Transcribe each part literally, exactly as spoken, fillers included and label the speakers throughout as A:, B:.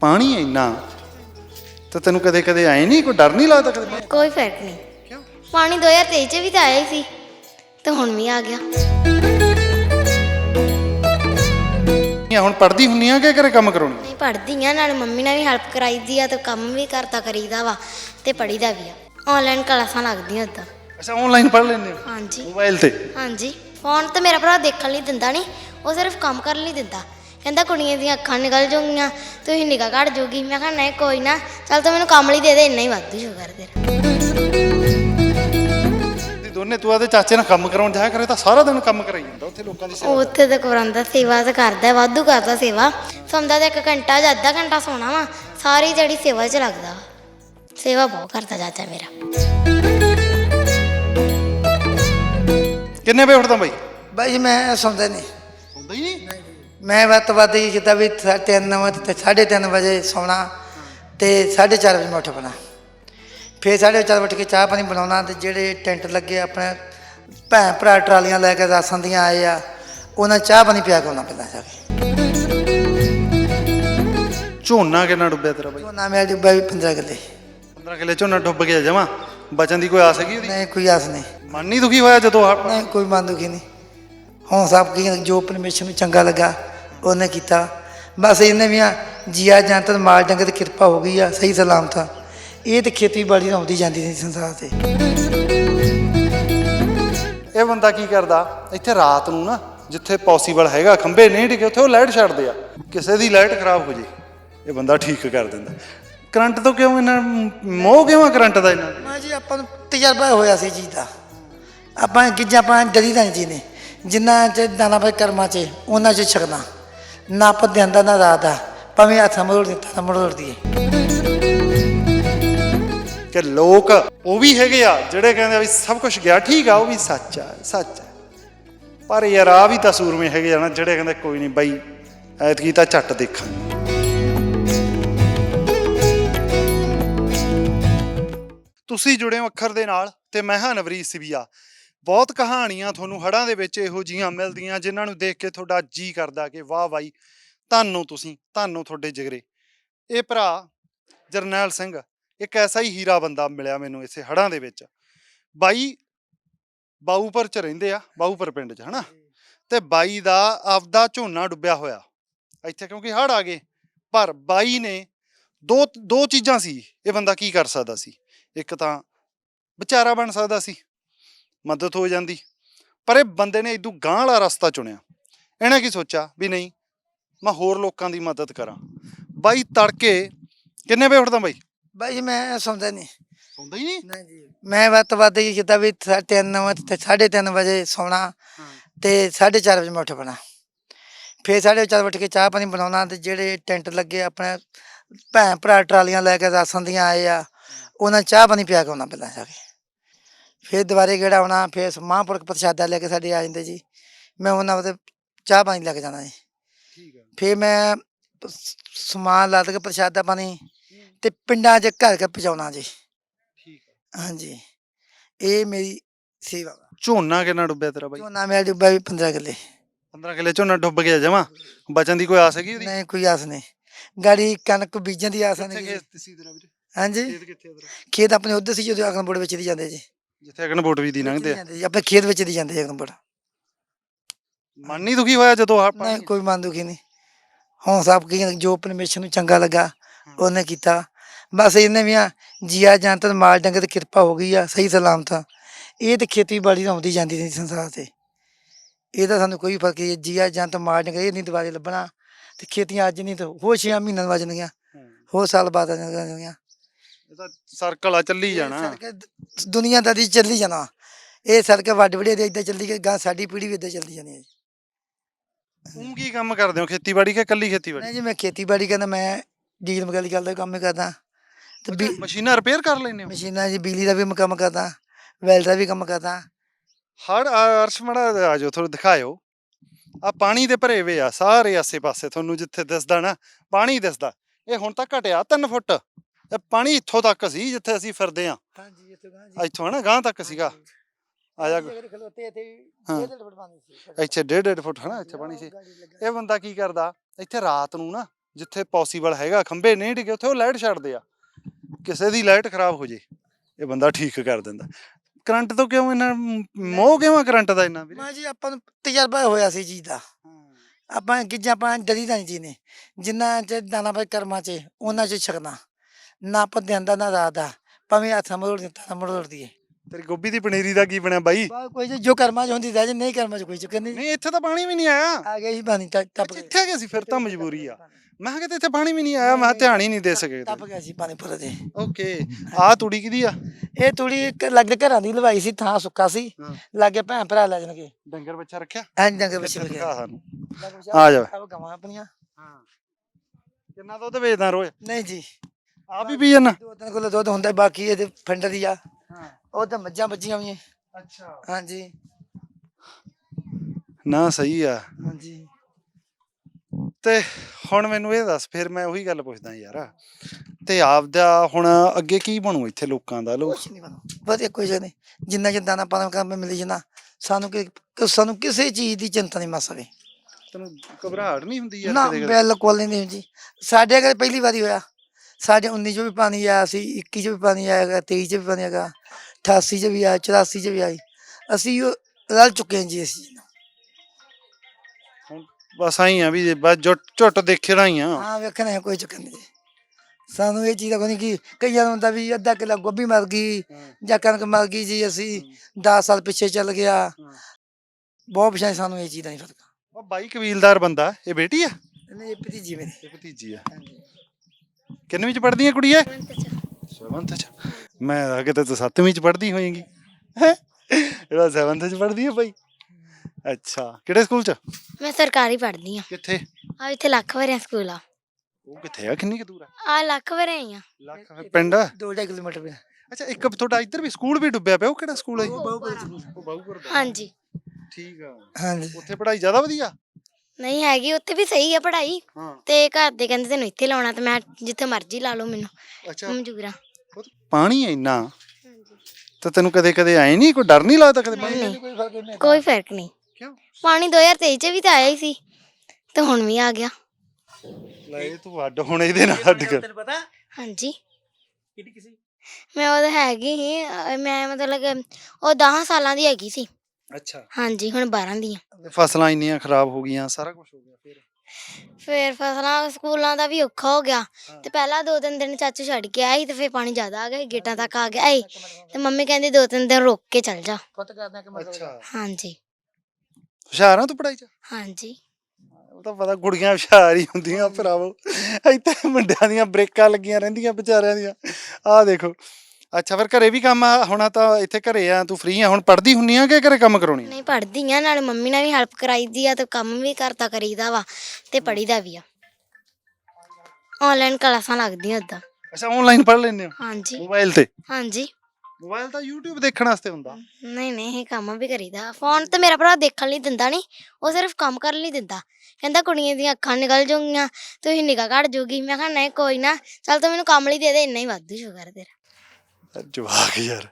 A: ਪਾਣੀ ਇੰਨਾ ਤਾਂ ਤੈਨੂੰ ਕਦੇ ਕਦੇ ਆਏ ਨਹੀਂ, ਕੋਈ ਡਰ ਨਹੀਂ ਲੱਗਦਾ ਕਦੇ?
B: ਕੋਈ ਫਰਕ ਨਹੀਂ।
A: ਕਿਉਂ?
B: ਪਾਣੀ ਦੋ ਹਜ਼ਾਰ ਤੇਈ ਚ ਵੀ ਤਾਂ ਆਇਆ ਹੀ ਸੀ ਤੇ ਹੁਣ ਵੀ ਆ ਗਿਆ।
A: ਹੁਣ ਪੜ੍ਹਦੀ ਹੁੰਨੀ ਆ ਕਿ ਘਰੇ ਕੰਮ ਕਰਾਉਣੀ?
B: ਨਹੀਂ ਪੜ੍ਹਦੀ ਆ, ਨਾਲ ਮੰਮੀ ਨਾਲ ਵੀ ਹੈਲਪ ਕਰਾਈਦੀ ਆ ਤੇ ਕੰਮ ਵੀ ਕਰਦਾ ਕਰੀਦਾ ਵਾ ਤੇ ਪੜ੍ਹੀਦਾ ਵੀ ਆ। ਆਨਲਾਈਨ ਕਲਾਸਾਂ ਲੱਗਦੀਆਂ ਉੱਦਾਂ।
A: ਅੱਛਾ, ਆਨਲਾਈਨ ਪੜ੍ਹ ਲੈਂਦੇ ਹੋ
B: ਹਾਂਜੀ
A: ਮੋਬਾਈਲ ਤੇ?
B: ਹਾਂਜੀ। ਫੋਨ ਤੇ ਮੇਰਾ ਭਰਾ ਦੇਖਣ ਲਈ ਦਿੰਦਾ ਨਹੀਂ, ਉਹ ਸਿਰਫ ਕੰਮ ਕਰਨ ਲਈ ਦਿੰਦਾ। ਕਹਿੰਦਾ ਕੁੜੀਆਂ ਦੀਆਂ ਅੱਖਾਂ ਨਿਕਲ ਜਾਊਗੀਆਂ, ਤੁਸੀਂ ਨਿਗਾਹ ਘੱਟ ਜਾਊਗੀ। ਮੈਂ ਕਿਹਾ ਨਹੀਂ ਕੋਈ ਨਾ, ਚੱਲ ਤੂੰ ਮੈਨੂੰ ਕੰਮ ਲਈ ਦੇ ਦੇ, ਇੰਨਾ ਹੀ ਵਾਧੂ ਸ਼ੁਕਰ ਤੇਰਾ।
A: ਦੋਨੇ ਤੂੰ ਆਦੇ ਚਾਚੇ ਨਾਲ ਕੰਮ ਕਰਾਉਣ ਜਾਇਆ ਕਰੇ ਤਾਂ ਸਾਰਾ ਦਿਨ ਕੰਮ ਕਰਾਈ ਜਾਂਦਾ ਉੱਥੇ ਲੋਕਾਂ ਦੀ ਸੇਵਾ।
B: ਉੱਥੇ ਤਾਂ ਕਰਾਉਂਦਾ, ਸੇਵਾ ਤਾਂ ਕਰਦਾ, ਵਾਧੂ ਕਰਦਾ ਸੇਵਾ। ਸੌਂਦਾ ਤਾਂ ਇੱਕ ਘੰਟਾ ਜਾਂ ਅੱਧਾ ਘੰਟਾ ਸੌਣਾ ਵਾ, ਸਾਰੀ ਜਿਹੜੀ ਸੇਵਾ 'ਚ ਲੱਗਦਾ ਵਾ। ਸੇਵਾ ਬਹੁਤ ਕਰਦਾ ਚਾਚਾ ਮੇਰਾ।
A: ਕਿੰਨੇ ਵਜੇ ਉੱਠਦਾ ਬਾਈ?
C: ਬਾਈ ਮੈਂ ਸੌਂਦਾ ਨਹੀਂ,
A: ਸੌਂਦਾ ਹੀ ਨਹੀਂ।
C: ਮੈਂ ਵੱਧ ਤੋਂ ਵੱਧ ਹੀ ਜਿੱਦਾਂ ਵੀ ਤਿੰਨ ਵਜੇ ਸਾਢੇ ਤਿੰਨ ਵਜੇ ਸੌਣਾ ਅਤੇ ਸਾਢੇ ਚਾਰ ਵਜੇ ਮੈਂ ਉੱਠ ਪੈਣਾ। ਫਿਰ ਸਾਢੇ ਚਾਰ ਉੱਠ ਕੇ ਚਾਹ ਪਾਣੀ ਬਣਾਉਣਾ ਅਤੇ ਜਿਹੜੇ ਟੈਂਟ ਲੱਗੇ ਆਪਣੇ ਭੈਣ ਭਰਾ ਟਰਾਲੀਆਂ ਲੈ ਕੇ ਰਾਸ਼ਨ ਦੀਆਂ ਆਏ ਆ, ਉਹਨਾਂ ਚਾਹ ਪਾਣੀ ਪਿਆ ਕੇ ਆਉਣਾ ਪੈਂਦਾ ਜਾ ਕੇ।
A: ਝੋਨਾ ਕਿੰਨਾ ਡੁੱਬਿਆ ਤੇਰਾ ਬਾਈ?
C: ਝੋਨਾ ਮੇਰਾ ਡੁੱਬਿਆ ਵੀ ਪੰਦਰਾਂ ਕਿੱਲੇ।
A: ਪੰਦਰਾਂ ਕਿੱਲੇ ਝੋਨਾ ਡੁੱਬ ਗਿਆ ਜਮਾਂ? ਬਚਣ ਦੀ ਕੋਈ ਆਸ ਹੈਗੀ ਉਹਦੀ?
C: ਨਹੀਂ ਕੋਈ ਆਸ ਨਹੀਂ।
A: ਮਨ ਨਹੀਂ ਦੁਖੀ ਹੋਇਆ ਜਦੋਂ ਆਹ?
C: ਨਹੀਂ ਕੋਈ ਮਨ ਦੁਖੀ ਨਹੀਂ। ਹੁਣ ਸਭ ਕੀ ਜੋ ਪਰਮੇਸ਼ਰ ਨੂੰ ਚੰਗਾ ਲੱਗਾ ਉਹਨੇ ਕੀਤਾ। ਬਸ ਇਹਨੇ ਵੀ ਆ ਜੀਆ ਜੰਤਰ ਮਾਲ ਡੰਗਰ ਦੀ ਕਿਰਪਾ ਹੋ ਗਈ ਆ ਸਹੀ ਸਲਾਮਤ। ਇਹ ਤਾਂ ਖੇਤੀਬਾੜੀ ਨਾਲ ਆਉਂਦੀ ਜਾਂਦੀ ਸੀ ਸੰਸਾਰ 'ਤੇ।
A: ਇਹ ਬੰਦਾ ਕੀ ਕਰਦਾ, ਇੱਥੇ ਰਾਤ ਨੂੰ ਨਾ ਜਿੱਥੇ ਪੋਸੀਬਲ ਹੈਗਾ ਖੰਭੇ ਨਹੀਂ ਡਿੱਗੇ ਉੱਥੇ ਉਹ ਲਾਈਟ ਛੱਡਦੇ ਆ। ਕਿਸੇ ਦੀ ਲਾਈਟ ਖਰਾਬ ਹੋ ਜੇ ਇਹ ਬੰਦਾ ਠੀਕ ਕਰ ਦਿੰਦਾ। ਕਰੰਟ ਤੋਂ ਕਿਉਂ ਇਹਨਾਂ ਮੋਹ ਕਿਉਂ ਆ ਕਰੰਟ ਦਾ ਇਹਨਾਂ?
C: ਮੈਂ ਜੀ ਆਪਾਂ ਨੂੰ ਤਜਰਬਾ ਹੋਇਆ ਸੀ ਚੀਜ਼ ਦਾ। ਆਪਾਂ ਗਿੱਜਾ ਆਪਾਂ ਡਰੀ ਤਾਂ ਜੀ ਨੇ ਜਿੰਨਾ ਚ ਦਾਣਾ ਪਾ ਕਰਮਾਂ 'ਚ ਉਹਨਾਂ 'ਚ ਛਕਣਾ ਨਾ ਆਪਾਂ ਦਿੰਦਾ ਨਾ ਰਾਤ ਦਾ, ਭਾਵੇਂ ਹੱਥ ਮਰੋੜ ਦਿੱਤਾ ਨਾ ਮਰੋੜ ਦੀਏ।
A: ਕਿ ਲੋਕ ਉਹ ਵੀ ਹੈਗੇ ਆ ਜਿਹੜੇ ਕਹਿੰਦੇ ਆ ਵੀ ਸਭ ਕੁਝ ਗਿਆ ਠੀਕ ਆ, ਉਹ ਵੀ ਸੱਚ ਆ, ਸੱਚ ਆ। ਪਰ ਯਾਰ ਆ ਵੀ ਤਾਂ ਸੂਰਮੇ ਹੈਗੇ ਆ ਨਾ ਜਿਹੜੇ ਕਹਿੰਦੇ ਕੋਈ ਨਹੀਂ ਬਾਈ ਐਤਕੀ ਤਾਂ ਝੱਟ ਦੇਖਾਂਗੇ। ਤੁਸੀਂ ਜੁੜੇ ਹੋ ਅੱਖਰ ਦੇ ਨਾਲ ਤੇ ਮੈਂ ਹਾਂ ਨਵਰੀਤ ਸਿਵੀਆ। ਬਹੁਤ ਕਹਾਣੀਆਂ ਤੁਹਾਨੂੰ ਹੜ੍ਹਾਂ ਦੇ ਵਿੱਚ ਇਹੋ ਜਿਹੀਆਂ ਮਿਲਦੀਆਂ ਜਿਨ੍ਹਾਂ ਨੂੰ ਦੇਖ ਕੇ ਤੁਹਾਡਾ ਜੀ ਕਰਦਾ ਕਿ ਵਾਹ ਬਾਈ ਤੁਹਾਨੂੰ, ਤੁਸੀਂ ਤੁਹਾਨੂੰ ਤੁਹਾਡੇ ਜਿਗਰੇ। ਇਹ ਭਰਾ ਜਰਨੈਲ ਸਿੰਘ ਇੱਕ ਐਸਾ ਹੀ ਹੀਰਾ ਬੰਦਾ ਮਿਲਿਆ ਮੈਨੂੰ ਇਸੇ ਹੜ੍ਹਾਂ ਦੇ ਵਿੱਚ। ਬਾਈ ਬਾਊਪੁਰ 'ਚ ਰਹਿੰਦੇ ਆ, ਬਾਊਪੁਰ ਪਿੰਡ 'ਚ, ਹੈ ਨਾ। ਤੇ ਬਾਈ ਦਾ ਆਪਦਾ ਝੋਨਾ ਡੁੱਬਿਆ ਹੋਇਆ ਇੱਥੇ ਕਿਉਂਕਿ ਹੜ੍ਹ ਆ ਗਏ। ਪਰ ਬਾਈ ਨੇ ਦੋ ਦੋ ਚੀਜ਼ਾਂ ਸੀ, ਇਹ ਬੰਦਾ ਕੀ ਕਰ ਸਕਦਾ ਸੀ। ਇੱਕ ਤਾਂ ਵਿਚਾਰਾ ਬਣ ਸਕਦਾ ਸੀ, ਮਦਦ ਹੋ ਜਾਂਦੀ। ਪਰ ਇਹ ਬੰਦੇ ਨੇ ਇਦੋਂ ਗਾਂਹ ਵਾਲਾ ਰਸਤਾ ਚੁਣਿਆ। ਇਹਨੇ ਕੀ ਸੋਚਿਆ ਵੀ ਨਹੀਂ ਮੈਂ ਹੋਰ ਲੋਕਾਂ ਦੀ ਮਦਦ ਕਰਾਂ। ਬਾਈ ਤੜਕੇ ਕਿੰਨੇ ਵਜੇ ਉੱਠਦਾ ਬਾਈ?
C: ਬਾਈ ਮੈਂ ਸੌਂਦਾ ਨਹੀਂ।
A: ਸੌਂਦਾ ਹੀ ਨਹੀਂ?
C: ਨਹੀਂ ਜੀ, ਮੈਂ ਵੱਧ ਤੋਂ ਵੱਧ ਹੀ ਜਿੱਦਾਂ ਵੀ ਤਿੰਨ ਵਜੇ ਸਾਢੇ ਤਿੰਨ ਵਜੇ ਸੌਣਾ ਅਤੇ ਸਾਢੇ ਚਾਰ ਵਜੇ ਮੈਂ ਉੱਠ ਪੈਣਾ। ਫਿਰ ਸਾਢੇ ਚਾਰ ਉੱਠ ਕੇ ਚਾਹ ਪਾਣੀ ਬਣਾਉਣਾ ਅਤੇ ਜਿਹੜੇ ਟੈਂਟ ਲੱਗੇ ਆਪਣੇ ਭੈਣ ਭਰਾ ਟਰਾਲੀਆਂ ਲੈ ਕੇ ਰਾਸ਼ਨ ਦੀਆਂ ਆਏ ਆ, ਉਹਨਾਂ ਚਾਹ ਪਾਣੀ ਪਿਆ ਕੇ ਆਉਣਾ ਪੈਂਦਾ ਜਾ ਕੇ। ਫਿਰ ਦੁਬਾਰੇ ਗੇੜਾ ਆਉਣਾ, ਫਿਰ ਮਹਾਂਪੁਰਖ ਪ੍ਰਸ਼ਾਦਾ ਲੈ ਕੇ ਸਾਡੇ ਆ ਜਾਂਦੇ ਜੀ। ਮੈਂ ਉਹਨਾਂ ਉਹਦੇ ਚਾਹ ਪਾਣੀ ਲੈ ਕੇ ਜਾਣਾ ਜੀ। ਫਿਰ ਮੈਂ ਸਮਾਨ ਲੱਦ ਕੇ ਪ੍ਰਸ਼ਾਦਾ ਪਾਣੀ ਅਤੇ ਪਿੰਡਾਂ 'ਚ ਘਰ ਘਰ ਪਹੁੰਚਾਉਣਾ ਜੀ। ਹਾਂਜੀ, ਇਹ ਮੇਰੀ ਸੇਵਾ ਵਾ।
A: ਝੋਨਾ ਕਿੰਨਾ ਡੁੱਬਿਆ ਤੇਰਾ ਬਾਈ?
C: ਝੋਨਾ ਮੇਰਾ ਡੁੱਬਿਆ ਵੀ ਪੰਦਰਾਂ ਕਿੱਲੇ।
A: ਪੰਦਰਾਂ ਕਿੱਲੇ ਝੋਨਾ ਡੁੱਬ ਗਿਆ ਜਮਾਂ? ਬਚਣ ਦੀ ਕੋਈ ਆਸ ਹੈਗੀ ਉਹਦੀ?
C: ਨਹੀਂ ਕੋਈ ਆਸ ਨਹੀਂ। ਗਾੜੀ ਕਣਕ ਬੀਜਣ ਦੀ ਆਸ ਨਹੀਂ। ਹਾਂਜੀ, ਖੇਤ ਆਪਣੇ ਉੱਧਰ ਸੀ ਜਦੋਂ ਅਗਨਬੋੜ ਵਿੱਚ ਦੀ ਜਾਂਦੇ ਜੀ।
A: ਜਿੱਥੇ ਅਗਨਬੋਟ ਵੀ ਦੀ ਲੰਘਦੇ ਆ
C: ਜੀ, ਆਪਣੇ ਖੇਤ ਵਿੱਚ ਦੀ ਜਾਂਦੇ ਅਗਨਬੋੜ।
A: ਮਨ ਨਹੀਂ ਦੁਖੀ ਹੋਇਆ ਜਦੋਂ ਆਹ?
C: ਨਹੀਂ ਕੋਈ ਮਨ ਦੁਖੀ ਨਹੀਂ। ਹੁਣ ਸਭ ਕੀ ਜੋ ਪਰਮੇਸ਼ਰ ਨੂੰ ਚੰਗਾ ਲੱਗਾ ਉਹਨੇ ਕੀਤਾ। ਬਸ ਇਹਨੇ ਵੀ ਆ ਜੀਆ ਜੰਤਰ ਮਾਲ ਡੰਗਰ ਦੀ ਕਿਰਪਾ ਹੋ ਗਈ ਆ ਸਹੀ ਸਲਾਮਤ। ਇਹ ਤਾਂ ਖੇਤੀਬਾੜੀ ਨਾਲ ਆਉਂਦੀ ਜਾਂਦੀ ਸੀ ਸੰਸਾਰ 'ਤੇ। ਇਹਦਾ ਸਾਨੂੰ ਕੋਈ ਫਰਕ ਨਹੀਂ। ਜੀਆ ਜੰਤ ਮਾਲ ਡੰਗਰ ਇਹ ਨਹੀਂ ਦੁਬਾਰੇ ਲੱਭਣਾ। ਅਤੇ ਖੇਤੀਆਂ ਅੱਜ ਨਹੀਂ ਤਾਂ ਹੋਰ ਛੇ ਮਹੀਨਿਆਂ ਵੱਜ ਜਾਣਗੀਆਂ, ਹੋਰ ਸਾਲ ਬਾਅਦ ਆ ਜਾਣਗੀਆਂ।
A: ਇਹ ਤਾਂ ਸਰਕਲ ਆ, ਚੱਲੀ ਜਾਣਾ।
C: ਦੁਨੀਆਦਾਰੀ ਚੱਲੀ ਜਾਣਾ। ਇਹ ਸੜਕ ਵੱਡ ਵੜੇ ਦੇ ਇੱਦਾਂ ਚੱਲੀ ਗਈ, ਗਾਂ ਸਾਡੀ ਪੀੜ੍ਹੀ ਵੀ ਇੱਦਾਂ ਚੱਲਦੀ ਜਾਣੀ ਹੈ।
A: ਤੂੰ ਕੀ ਕੰਮ ਕਰਦੇ ਹੋ, ਖੇਤੀਬਾੜੀ ਕਿ ਇਕੱਲੀ ਖੇਤੀਬਾੜੀ?
C: ਨਹੀਂ ਜੀ, ਮੈਂ ਖੇਤੀਬਾੜੀ ਕਰਦਾ। ਮੈਂ ਡੀਜ਼ਲ ਮਕੈਨਿਕਲ ਦਾ ਕੰਮ ਹੀ ਕਰਦਾ ਅਤੇ
A: ਮਸ਼ੀਨਾਂ ਰਿਪੇਅਰ ਕਰ ਲੈਂਦੇ ਹੋ?
C: ਮਸ਼ੀਨਾਂ ਜੀ, ਬਿਜਲੀ ਦਾ ਵੀ ਮੈਂ ਕੰਮ ਕਰਦਾ, ਵੈਲਡ ਦਾ ਵੀ ਕੰਮ ਕਰਦਾ।
A: ਹੜ ਅਰਸ਼ ਮਾੜਾ ਆ ਜਾਓ, ਤੁਹਾਨੂੰ ਦਿਖਾਇਓ। ਆ ਪਾਣੀ ਦੇ ਭਰੇ ਵੇ ਆ ਸਾਰੇ ਆਸੇ ਪਾਸੇ, ਤੁਹਾਨੂੰ ਜਿੱਥੇ ਦਿਸਦਾ ਨਾ ਪਾਣੀ ਦਿਸਦਾ। ਇਹ ਹੁਣ ਤਾਂ ਘਟਿਆ ਤਿੰਨ ਫੁੱਟ। ਇਹ ਪਾਣੀ ਇੱਥੋਂ ਤੱਕ ਸੀ ਜਿੱਥੇ ਅਸੀਂ ਫਿਰਦੇ ਹਾਂ, ਇੱਥੋਂ ਹੈ ਨਾ ਗਾਂਹ ਤੱਕ ਸੀਗਾ। ਆ ਜਾ, ਹਾਂ ਇੱਥੇ ਡੇਢ ਡੇਢ ਫੁੱਟ ਹੈ ਨਾ ਇੱਥੇ ਪਾਣੀ ਸੀ। ਇਹ ਬੰਦਾ ਕੀ ਕਰਦਾ, ਇੱਥੇ ਰਾਤ ਨੂੰ ਨਾ ਜਿੱਥੇ ਪੋਸੀਬਲ ਹੈਗਾ ਖੰਭੇ ਨਹੀਂ ਡਿੱਗੇ ਉੱਥੇ ਉਹ ਲਾਈਟ ਛੱਡਦੇ ਆ। ਕਿਸੇ ਦੀ ਲਾਈਟ ਖਰਾਬ ਹੋ ਜੇ ਇਹ ਬੰਦਾ ਠੀਕ ਕਰ ਦਿੰਦਾ। ਕਰੰਟ ਤੋਂ ਕਿਉਂ ਇੰਨਾ ਮੋਹ ਕਿਉਂ ਆ ਕਰੰਟ ਦਾ ਇੰਨਾ ਵੀਰੇ?
C: ਮੈਂ ਜੀ ਆਪਾਂ ਨੂੰ ਤਜਰਬਾ ਹੋਇਆ ਸੀ ਚੀਜ਼ ਦਾ। ਆਪਾਂ ਗਿੱਜਾ ਆਪਾਂ ਡਰੀ ਦਾ ਨਹੀਂ ਜੀ ਨੇ ਜਿੰਨਾ ਚ ਦਾਣਾ ਪਾ ਕਰਮਾਂ ਚ ਉਹਨਾਂ ਚ ਛਕਣਾ ਨਾ ਆਪਾਂ ਦਿਨ ਦਾ ਨਾ ਰਾਤ ਦਾ ਭਾਵੇਂ ਹੱਥ ਮਰੋੜ ਦਿੱਤਾ ਨਾ ਮਰੋੜ ਦੀਏ।
A: ਤੇਰੀ ਗੋਭੀ ਦੀ ਪਨੀਰੀ ਦਾ ਕੀ ਬਣਿਆ ਬਾਈ?
C: ਬਸ ਕੋਈ ਜੀ ਜੋ ਕਰਮਾਂ ਚ ਹੁੰਦੀ ਰਹਿ ਜੇ ਨਹੀਂ ਕਰਮਾਂ ਚ ਕੋਈ ਚੱਕਰ ਨਹੀਂ।
A: ਨਹੀਂ ਇੱਥੇ ਤਾਂ ਪਾਣੀ ਵੀ ਨਹੀਂ ਆਇਆ।
C: ਆ ਗਿਆ ਸੀ ਪਾਣੀ ਟ- ਟੱਪ
A: ਅੱਛਾ,
C: ਗਿਆ
A: ਇੱਥੇ ਆ ਗਿਆ ਸੀ ਫਿਰ ਤਾਂ ਮਜਬੂਰੀ ਆ। ਮੈਂ ਕਿਹਾ ਕਿਤੇ ਇੱਥੇ ਪਾਣੀ ਵੀ ਨਹੀਂ ਆਇਆ, ਮੈਂ ਕਿਹਾ ਧਿਆਨ ਹੀ ਨਹੀਂ ਦੇ ਸਕੇ।
C: ਟੱਪ ਗਿਆ ਸੀ ਪਾਣੀ ਪੂਰਾ ਦੇ।
A: ਓਕੇ, ਆਹ ਤੂੜੀ ਕਿਹਦੀ ਆ?
C: ਇਹ ਤੂੜੀ ਇੱਕ ਲਾਗੇ ਘਰਾਂ ਦੀ ਲਵਾਈ ਸੀ ਥਾਂ ਸੁੱਕਾ ਸੀ
A: ਹਾਂ।
C: ਲਾਗੇ ਭੈਣ ਭਰਾ ਲੈ ਜਾਣਗੇ।
A: ਡੰਗਰ ਬੱਚਾ ਰੱਖਿਆ?
C: ਐਂ ਡੰਗਰ ਬੱਚੇ
A: ਕਿੱਥੇ ਦਿਖਾ ਸਾਨੂੰ।
C: ਆ
A: ਆ ਜਾ।
C: ਗਾਵਾਂ ਆਪਣੀਆਂ।
A: ਹਾਂ, ਕਿੰਨਾ ਦੁੱਧ ਵੇਚਦਾ ਰੋਜ਼?
C: ਨਹੀਂ ਜੀ
A: ਆ ਵੀ ਪੀ ਜਾਨਾ?
C: ਦੋ ਤਿੰਨ ਕਿਲੋ ਦੁੱਧ ਹੁੰਦਾ ਬਾਕੀ ਇਹਦੇ ਫੰਡ ਦੀ ਆ।
A: ਹਾਂ,
C: ਉਹ ਤਾਂ ਮੱਝਾਂ ਬੱਜੀਆਂ ਹੋਈਆਂ।
A: ਅੱਛਾ,
C: ਹਾਂਜੀ
A: ਨਾ ਸਹੀ ਆ।
C: ਹਾਂਜੀ
A: ਤੇ ਹੁਣ ਮੈਨੂੰ ਇਹ ਦੱਸ, ਫਿਰ ਮੈਂ ਉਹੀ ਗੱਲ ਪੁੱਛਦਾ ਯਾਰ, ਤੇ ਆਪਦਾ ਹੁਣ ਅੱਗੇ ਕੀ ਬਣੂ ਇੱਥੇ ਲੋਕਾਂ ਦਾ? ਲੋਕ
C: ਕੁਛ ਨਹੀਂ ਬਣਾ ਵਧੀਆ ਕੋਈ ਨਹੀਂ ਜਿੰਨਾ ਚਿਰ ਦਾਣਾ ਪਾਣਾ ਕੰਮ ਮਿਲੀ ਜਾਂਦਾ ਸਾਨੂੰ ਕਿ ਕਿ ਸਾਨੂੰ ਕਿਸੇ ਚੀਜ਼ ਦੀ ਚਿੰਤਾ ਨਹੀਂ ਮਾਸਾ ਵੀ।
A: ਤੈਨੂੰ ਘਬਰਾਹਟ ਨਹੀਂ ਹੁੰਦੀ ਯਾਰ
C: ਨਾ
A: ਕਦੇ ਕਦੇ?
C: ਬਿਲਕੁਲ ਨਹੀਂ ਹੁੰਦੀ। ਸਾਡੇ ਘਰ ਪਹਿਲੀ ਵਾਰੀ ਹੋਇਆ। ਸਾਡੇ ਉੱਨੀ ਚ ਵੀ ਪਾਣੀ ਆਇਆ ਸੀ, ਇੱਕੀ ਚ ਵੀ ਪਾਣੀ ਆਏਗਾ, ਤੇਈ ਚ ਵੀ ਪਾਣੀ ਆਏਗਾ, ਅਠਾਸੀ ਚ ਵੀ ਆਇਆ, ਚੁਰਾਸੀ ਚ ਵੀ ਆਈ। ਅਸੀਂ ਉਹ ਰਲ ਚੁੱਕੇ ਹਾਂ ਜੀ ਇਸ ਚੀਜ਼ ਨਾਲ।
A: ਹੁਣ ਬਸ ਆਈ ਆ ਵੀ ਬਸ ਜੁੱਟ ਝੁੱਟ ਦੇਖੇ ਰਹੀ ਆ।
C: ਹਾਂ ਵੇਖਣਾ ਹੈ ਕੋਈ ਚੱਕਰ ਨਹੀਂ ਜੀ। ਸਾਨੂੰ ਇਹ ਚੀਜ਼ ਦਾ ਕੋਈ ਨਹੀਂ ਕਿ ਕਈਆਂ ਨੂੰ ਹੁੰਦਾ ਵੀ ਅੱਧਾ ਕਿੱਲਾ ਗੋਭੀ ਮਰ ਗਈ ਜਾਂ ਕਣਕ ਮਰ ਗਈ ਜੀ ਅਸੀਂ ਦਸ ਸਾਲ ਪਿੱਛੇ ਚੱਲ ਗਿਆ। ਬਹੁਤ ਪਿਛਾਂ ਸਾਨੂੰ ਇਹ ਚੀਜ਼ ਦਾ ਨਹੀਂ ਫਰਕ।
A: ਉਹ ਬਾਈ ਕਬੀਲਦਾਰ ਬੰਦਾ, ਇਹ ਬੇਟੀ ਆ?
C: ਨਹੀਂ ਇਹ ਭਤੀਜੀ ਮੇਰੀ।
A: ਇਹ ਭਤੀਜੀ ਆ। ਕਿੰਨਵੀਂ ਚ ਪੜ੍ਹਦੀ ਆ ਕੁੜੀਏ? ਸੈਵੰਥ ਚ। ਮੈਂ ਤਾਂ ਕਿਤੇ ਤੂੰ ਸੱਤਵੀਂ ਚ ਪੜ੍ਹਦੀ ਹੋਏਗੀ। ਇਹਦਾ ਸੈਵੰਥ ਚ ਪੜ੍ਹਦੀ ਆ ਬਾਈ। ਅੱਛਾ, ਕਿਹੜੇ ਸਕੂਲ ਚ?
B: ਮੈਂ ਸਰਕਾਰੀ ਪੜ੍ਹਦੀ ਆ।
A: ਕਿੱਥੇ?
B: ਆ ਇੱਥੇ ਲੱਖ ਵਰਿਆਂ ਸਕੂਲ ਆ।
A: ਉਹ ਕਿੱਥੇ ਆ? ਕਿੰਨੀ ਕੁ ਦੂਰ ਆ?
B: ਆ ਲੱਖ ਵਰਿਆਂ ਹੀ ਆ।
A: ਲੱਖ ਪਿੰਡ?
C: ਦੋ ਢਾਈ ਕਿਲੋਮੀਟਰ ਪਿਆ।
A: ਅੱਛਾ, ਇੱਕ ਤੁਹਾਡਾ ਇੱਧਰ ਵੀ ਸਕੂਲ ਵੀ ਡੁੱਬਿਆ ਪਿਆ, ਉਹ ਕਿਹੜਾ ਸਕੂਲ ਹੈ?
C: ਉਹ
A: ਬਾਹੂਪੁਰ ਦਾ।
B: ਹਾਂਜੀ।
A: ਠੀਕ ਆ।
C: ਹਾਂਜੀ
A: ਉੱਥੇ ਪੜ੍ਹਾਈ ਜ਼ਿਆਦਾ ਵਧੀਆ?
B: ਨਹੀਂ ਹੈਗੀ, ਉੱਥੇ ਵੀ ਸਹੀ ਆ ਪੜ੍ਹਾਈ।
A: ਹਾਂ।
B: ਤੇ ਘਰ ਦੇ ਕਹਿੰਦੇ ਤੈਨੂੰ ਇੱਥੇ ਲਾਉਣਾ ਤੇ ਮੈਂ ਜਿੱਥੇ ਮਰਜ਼ੀ ਲਾ ਲਓ ਮੈਨੂੰ
A: ਅੱਛਾ,
B: ਮਨਜ਼ੂਰ ਆ।
A: ਪਾਣੀ ਇੰਨਾ ਤਾਂ ਤੈਨੂੰ ਕਦੇ ਕਦੇ ਆਏ ਨਹੀਂ? ਕੋਈ ਡਰ ਨਹੀਂ ਲੱਗਦਾ ਕਦੇ ਪਾਣੀ?
B: ਨਹੀਂ
C: ਕੋਈ ਫਰਕ ਨਹੀਂ।
B: ਕੋਈ ਫਰਕ ਨਹੀਂ।
A: ਕਿਉਂ?
B: ਪਾਣੀ ਦੋ ਹਜ਼ਾਰ ਤੇਈ ਚ ਵੀ ਤਾਂ ਆਇਆ ਹੀ ਸੀ ਤੇ ਹੁਣ ਵੀ ਆ ਗਿਆ।
A: ਲੈ ਤੂੰ ਅੱਡ ਹੁਣ ਇਹਦੇ ਨਾਲ ਅੱਡ ਕਰ।
C: ਤੈਨੂੰ ਪਤਾ
B: ਹਾਂਜੀ,
C: ਕਿਹੜੀ ਕਿਸੇ
B: ਮੈਂ ਉਹ ਹੈਗੀ ਸੀ ਅਹ ਮੈਂ ਮਤਲਬ ਕਿ ਉਹ ਦਸ ਸਾਲਾਂ ਦੀ ਹੈਗੀ ਸੀ।
A: ਅੱਛਾ,
B: ਹਾਂਜੀ, ਹੁਣ ਬਾਰਾਂ ਦੀ ਆ।
A: ਫਸਲਾਂ ਇੰਨੀਆਂ ਖਰਾਬ ਹੋ ਗਈਆਂ, ਸਾਰਾ ਕੁਝ ਹੋ ਗਿਆ ਫਿਰ?
B: ਫਿਰ ਫਸਲਾਂ ਸਕੂਲਾਂ ਦਾ ਵੀ ਔਖਾ ਹੋ ਗਿਆ ਤੇ ਪਹਿਲਾਂ ਦੋ ਤਿੰਨ ਦਿਨ ਚਾਚੂ ਛੱਡ ਕੇ ਆਈ ਤੇ ਫਿਰ ਪਾਣੀ ਜ਼ਿਆਦਾ ਆ ਗਿਆ ਸੀ, ਗੇਟਾਂ ਤੱਕ ਆ ਗਿਆ ਸੀ ਤੇ ਮੰਮੀ ਕਹਿੰਦੀ ਦੋ ਤਿੰਨ ਦਿਨ ਰੁਕ ਕੇ ਚੱਲ ਜਾ।
C: ਪੁੱਤ ਕਰਦਾ ਕਿ ਮਤਲਬ
A: ਅੱਛਾ,
B: ਹਾਂਜੀ
A: ਹੁਸ਼ਿਆਰਾਂ ਤੂੰ ਪੜਾਈ ਚ?
B: ਹਾਂਜੀ।
A: ਉਹ ਤਾਂ ਪਤਾ ਕੁੜੀਆਂ ਹੁਸ਼ਿਆਰ ਹੀ ਹੁੰਦੀਆਂ ਭਰਾਵੋ। ਇੱਥੇ ਮੁੰਡਿਆਂ ਦੀਆਂ ਬ੍ਰੇਕਾਂ ਲੱਗੀਆਂ ਰਹਿੰਦੀਆਂ ਵਿਚਾਰਿਆਂ ਦੀਆਂ। ਆਹ ਦੇਖੋ। ਅੱਛਾ, ਫਿਰ ਘਰੇ ਵੀ ਕੰਮ ਆ ਹੁਣ? ਤਾਂ ਇੱਥੇ ਘਰੇ ਆ, ਤੂੰ ਫ੍ਰੀ ਆ ਹੁਣ? ਪੜ੍ਹਦੀ ਹੁੰਨੀ ਆ ਕਿ ਘਰੇ ਕੰਮ ਕਰਾਉਣੀ?
B: ਨਹੀਂ ਪੜ੍ਹਦੀ ਆ, ਨਾਲੇ ਮੰਮੀ ਨਾਲ ਵੀ ਹੈਲਪ ਕਰਾਈਦੀ ਆ ਤੇ ਕੰਮ ਵੀ ਕਰਤਾ ਕਰੀਦਾ ਵਾ ਤੇ ਪੜ੍ਹੀਦਾ ਵੀ ਆ। ਆਨਲਾਈਨ ਕਲਾਸਾਂ ਲੱਗਦੀਆਂ ਓਦਾਂ।
A: ਅੱਛਾ, ਆਨਲਾਈਨ ਪੜ੍ਹ ਲੈਂਦੇ ਹੋ
B: ਹਾਂਜੀ
A: ਮੋਬਾਈਲ ਤੇ?
B: ਹਾਂਜੀ।
A: ਮੋਬਾਈਲ ਤਾਂ YouTube ਦੇਖਣ ਵਾਸਤੇ ਹੁੰਦਾ।
B: ਨਹੀਂ ਨਹੀਂ ਇਹ ਕੰਮ ਵੀ ਕਰੀਦਾ। ਫੋਨ ਤੇ ਮੇਰਾ ਭਰਾ ਦੇਖਣ ਲਈ ਦਿੰਦਾ ਨਹੀਂ, ਉਹ ਸਿਰਫ ਕੰਮ ਕਰਨ ਲਈ ਦਿੰਦਾ। ਕਹਿੰਦਾ ਕੁੜੀਆਂ ਦੀਆਂ ਅੱਖਾਂ ਨਿਕਲ ਜਾਊਗੀਆਂ, ਤੁਸੀਂ ਨਿਗਾਹ ਘਟ ਜਾਊਗੀ। ਮੈਂ ਕਿਹਾ ਨਹੀਂ ਕੋਈ ਨਾ, ਚੱਲ ਤੂੰ ਮੈਨੂੰ ਕੰਮ ਲਈ ਦੇ ਦੇ, ਇੰਨਾ ਹੀ ਵਾਧੂ ਸ਼ੁਕਰ ਤੇਰਾ।
A: ਜਵਾਕ ਯਾਰ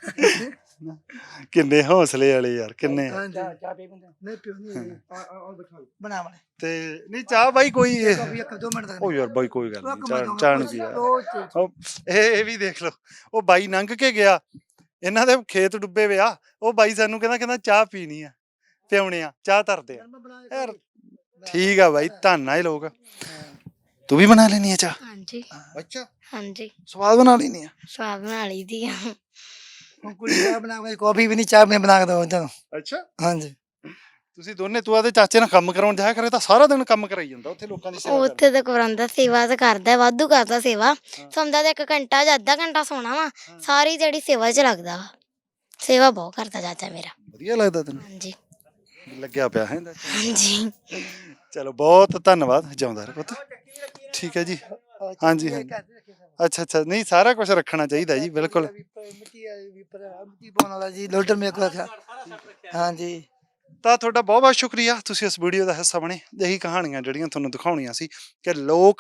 A: ਕਿੰਨੇ ਹੌਸਲੇ ਵਾਲੇ ਯਾਰ, ਕਿੰਨੇ।
C: ਚਾਹ ਪੀ ਬੰਦੇ ਨਹੀਂ ਪਿਓ ਨਹੀਂ ਆ ਬਿਠਾ ਬਣਾ ਵਾਲੇ
A: ਤੇ ਨਹੀਂ ਚਾਹ ਬਾਈ ਕੋਈ ਇਹ-
C: ਕਾਫੀ ਇੱਕ ਦੋ ਮਿੰਟ ਤੱਕ
A: ਉਹ ਯਾਰ ਬਾਈ ਕੋਈ ਗੱਲ ਨਹੀਂ, ਚਾਹ ਚਾਹ ਨਹੀਂ ਪੀਆ। ਉਹ ਇਹ ਇਹ ਵੀ ਦੇਖ ਲਓ, ਉਹ ਬਾਈ ਲੰਘ ਕੇ ਗਿਆ, ਇਹਨਾਂ ਦੇ ਖੇਤ ਡੁੱਬੇ ਵੇ ਆ, ਉਹ ਬਾਈ ਸਾਨੂੰ ਕਹਿੰਦਾ ਕਹਿੰਦਾ ਚਾਹ ਪੀਣੀ ਆ, ਪਿਉਣੇ ਆ, ਚਾਹ ਧਰਦੇ ਆ ਯਾਰ। ਠੀਕ ਆ ਬਾਈ, ਧੰਨ ਆ ਇਹ ਲੋਕ। ਤੂੰ ਵੀ ਬਣਾ ਲੈਣੀ ਆ ਚਾਹ?
B: ਹਾਂਜੀ
A: ਅੱਛਾ,
B: ਹਾਂਜੀ,
A: ਸਵਾਦ ਬਣਾ ਲੈਣੀ ਆ?
B: ਸਵਾਦ ਬਣਾ ਲਈ ਦੀ ਆ।
C: ਕੁੜੀ ਚਾਹ ਬਣਾ ਕੇ ਕਾਫੀ ਵੀ ਨਹੀਂ ਚਾਹ ਵੀ ਬਣਾ ਕੇ ਦੋ ਤੁਹਾਨੂੰ।
A: ਅੱਛਾ,
C: ਹਾਂਜੀ
A: ਤੁਸੀਂ ਦੋਨੇ, ਤੂੰ ਆਦੇ ਚਾਚੇ ਨਾਲ ਕੰਮ ਕਰਾਉਣ ਜਾਇਆ ਕਰੇ ਤਾਂ ਸਾਰਾ ਦਿਨ ਕੰਮ ਕਰਾਈ ਜਾਂਦਾ ਉੱਥੇ ਲੋਕਾਂ ਦੀ ਸੇਵਾ ਕਰਦਾ।
B: ਉੱਥੇ ਤਾਂ ਕਰਾਉਂਦਾ, ਸੇਵਾ ਤਾਂ ਕਰਦਾ, ਵਾਧੂ ਕਰਦਾ ਸੇਵਾ। ਸੌਂਦਾ ਤਾਂ ਇੱਕ ਘੰਟਾ ਜਾਂ ਅੱਧਾ ਘੰਟਾ ਸੋਣਾ ਵਾ, ਸਾਰੀ ਜਿਹੜੀ ਸੇਵਾ 'ਚ ਲੱਗਦਾ ਵਾ। ਸੇਵਾ ਬਹੁਤ ਕਰਦਾ ਚਾਚਾ ਮੇਰਾ।
A: ਵਧੀਆ ਲੱਗਦਾ ਤੈਨੂੰ?
B: ਹਾਂਜੀ
A: ਲੱਗਿਆ ਪਿਆ ਹੈ?
B: ਹਾਂਜੀ।
A: ਚਲੋ ਬਹੁਤ ਧੰਨਵਾਦ, ਜਿਉਂਦਾ ਰਹਿ ਪੁੱਤ। ਠੀਕ ਹੈ ਜੀ। ਹਾਂਜੀ ਹਾਂਜੀ, ਅੱਛਾ ਅੱਛਾ, ਨਹੀਂ ਸਾਰਾ ਕੁਝ ਰੱਖਣਾ ਚਾਹੀਦਾ ਜੀ, ਬਿਲਕੁਲ।
C: ਮਿੱਟੀ ਮਿੱਟੀ ਪਾਉਣ ਵਾਲਾ ਜੀ ਲੋਡਰ ਮੇਰੇ ਕੋਲ ਰੱਖਿਆ। ਹਾਂਜੀ
A: ਤਾਂ ਤੁਹਾਡਾ ਬਹੁਤ ਬਹੁਤ ਸ਼ੁਕਰੀਆ, ਤੁਸੀਂ ਇਸ ਵੀਡੀਓ ਦਾ ਹਿੱਸਾ ਬਣੇ। ਇਹੀ ਕਹਾਣੀਆਂ ਜਿਹੜੀਆਂ ਤੁਹਾਨੂੰ ਦਿਖਾਉਣੀਆਂ ਸੀ ਕਿ ਲੋਕ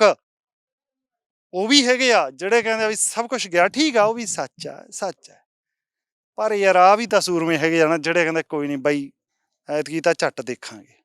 A: ਉਹ ਵੀ ਹੈਗੇ ਆ ਜਿਹੜੇ ਕਹਿੰਦੇ ਆ ਵੀ ਸਭ ਕੁਝ ਗਿਆ, ਠੀਕ ਆ, ਉਹ ਵੀ ਸੱਚ ਆ, ਸੱਚ ਹੈ। ਪਰ ਯਾਰ ਆ ਵੀ ਤਾਂ ਸੂਰਮੇ ਹੈਗੇ ਆ ਨਾ ਜਿਹੜੇ ਕਹਿੰਦੇ ਕੋਈ ਨਹੀਂ ਬਾਈ ਐਤਕੀ ਤਾਂ ਝੱਟ ਦੇਖਾਂਗੇ।